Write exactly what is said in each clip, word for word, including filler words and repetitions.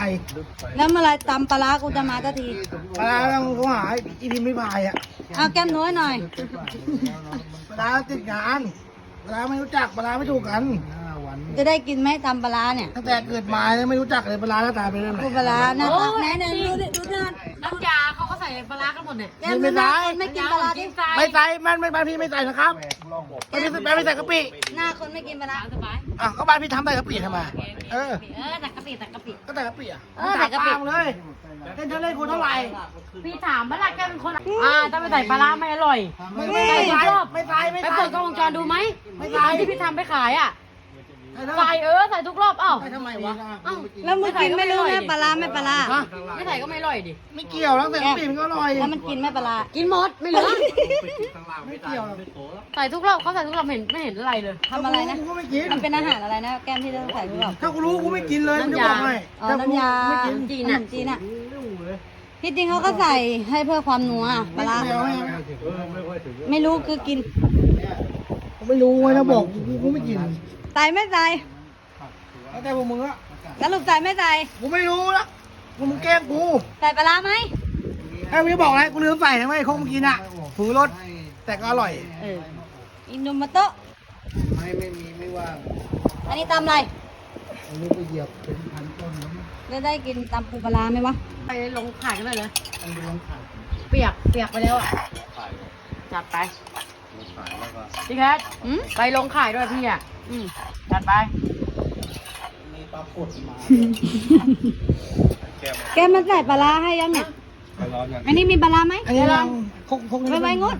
แล้วเมื่อไรตำปลาร้ากูจะมาสักทีปลาต้องโทรหาอีพิมพ์ไม่พายอ่ะเอาแก้มน้อยหน่อยปลาติดงานปลาไม่รู้จักปลาไม่ถูกกันจะได้กินไหมตำปลาร้าเนี่ยตั้งแต่เกิดมาเนี่ยไม่รู้จักเลยปลาหน้าตาเป็นยังไงกูปลาร้าหน้าตาไหนไหนดูดิดูหน้าน้ำยาเขาก็ใส่ปลาร้ากันหมดเนี่ยแก้มดูหน้าคนไม่กินปลาร้าดิไม่ใส่มันไม่บ้านพี่ไม่ใส่นะครับไม่ใส่ไม่ใส่กะปิหน้าคนไม่กินปลาร้าสบายอ่ะก็บ้านพี่ทำใส่กะปิทำไมเออเออแต่กะปิแต่กะปิก็ใส่กะปิอ่ะเออใส่กะปิตามเลยเล่นเท่าเล่นกูเท่าไหร่พี่ถามว่าล่ะแกเป็นคนอ่าถ้าไม่ใส่ปลาร้าไม่อร่อยไม่ไม่ใส่ไม่ใส่ไม่ไปใส่เปิดกล้องวงจรดูไหมไม่ใส่ที่พี่ทำไปขายอ่ะใส่ใส่เออใส่ทุกรอบเอ้าทำไมวะเอ้าแล้วมึงกินไม่รู้นะปลาร้าไม่ปลาร้าฮะไม่ใส่ก็ไม่อร่อยดิไม่เกี่ยวแล้วแต่กะปิมันก็อร่อยแล้วมันกินไม่ปลาร้ากินหมดไม่เหลือไม่เกี่ยวใส่ทุกรอบเขาใส่ทุกรอบเห็นไม่เห็นอะไรเลยทำอะไรนะกูก็ไม่กินมันเป็นอาหารอะไรนะแก้มที่ต้องใส่หรือเปล่าถ้ากูรู้กูไม่กินเลยกูจะบอกให้อ๋อถ้ากูน้ำยาไม่กินจีนขนอ่ะมจีนอ่ะที่จริงเขาก็ใส่ให้เพื่อความนัวปลาร้าไม่เอาไม่เอาไม่รู้คือกินกูไม่รู้ไงถ้าบอกกูกูไม่กินใส่ไม่ใส่แล้วแต่พวกมึงอะสรุปใส่ไม่ใส่กูไม่รู้ละกูมึงแกล้งกูใส่ปลาร้าไหมไอ้มึงจะบอกอะไรกูลืมใส่ทำไมคงมึงกินอ่ะผูรสแต่ก็อร่อยเอออินโนมาโตะไม่ไม่มีไม่ว่างอันนี้ตำอะไรอันนี้ก็เหยียบเป็นพันต้นแล้วจะได้กินตำปูปลาร้าไหมวะไปลงขายกันเลยเลยอันนี้ลองขายเปียกเปียกไปแล้วอ่ะจัดไปพี่แคทอืมไปลงขายด้วยพี่อ่ะอืมจัดไปมีปลากดมาแกมันใส่ปลาร้าให้ยังเนี่ยอันนี้มีปลาร้าไหมอันนี้ลองคงคงไม่ไม่งด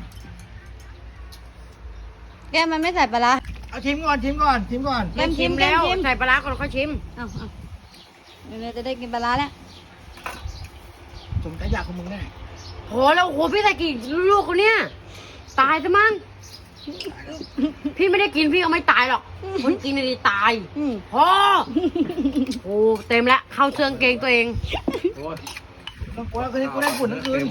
แกมันไม่ใส่ปลาร้าเอาชิมก่อนชิมก่อนชิมก่อนแก้มชิมแล้วแก้มชิมใส่ปลาร้าก่อนค่อยชิมเอาเอาเดี๋ยวเราจะได้กินปลาร้าแล้วสมใจอยากของมึงแน่โหแล้วโหพี่ใส่กี่ลูกคนเนี้ยตายซะมั้งพี่ไม่ได้กินพี่ก็ไม่ตายหรอกคนกินน่ะดีตายอืมพอโอ้เต็มแล้วเข้าเชืองเกงตัวเองต้องกูแล้วคืนนี้กูได้ฝุ่นทั้งคืน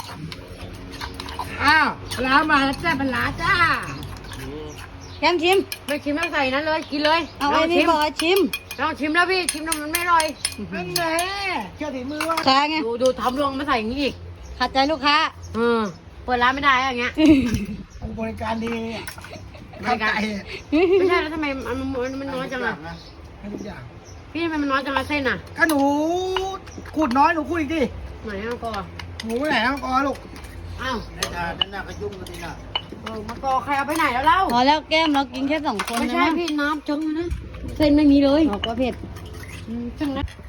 อ้าวปลามาแล้วจ้าปลาจ้าแก้มชิมไม่ชิมแล้วใส่นั้นเลยกินเลยเอาลไอ้องนี่ชิมบอกให้ชิมลองชิมแล้วพี่ชิมแล้วมันไม่อร่อยเป็นไงเชื่อถือมือวะค้าไงดูดูทำลงมาใส่อย่างนี้อีกขัดใจลูกค้าเออเปิดร้านไม่ได้อะอย่างเงี้ยกูบริการดีเนี่ยบริการเข้าใจไม่ใช่แล้วทำไมมันมันมันน้อยจังอะให้ทุกอย่างพี่ทำไมมันน้อยจังอะเส้นอะก็หนูขูดน้อยหนูขูดอีกดิไหนเอาก่อนหนูไปไหนแล้วกอลูกอ้าวในจานนั่นน่ะก็ยุ่งกันทีน่ะเออมากอใครเอาไปไหนแล้วเล่าพอแล้วแก้มเรากินแค่สองคนไม่นะใช่พี่น้ำจังเลยนะเส้นไม่มีเลยบอกว่าเผ็ดอืมจังนะ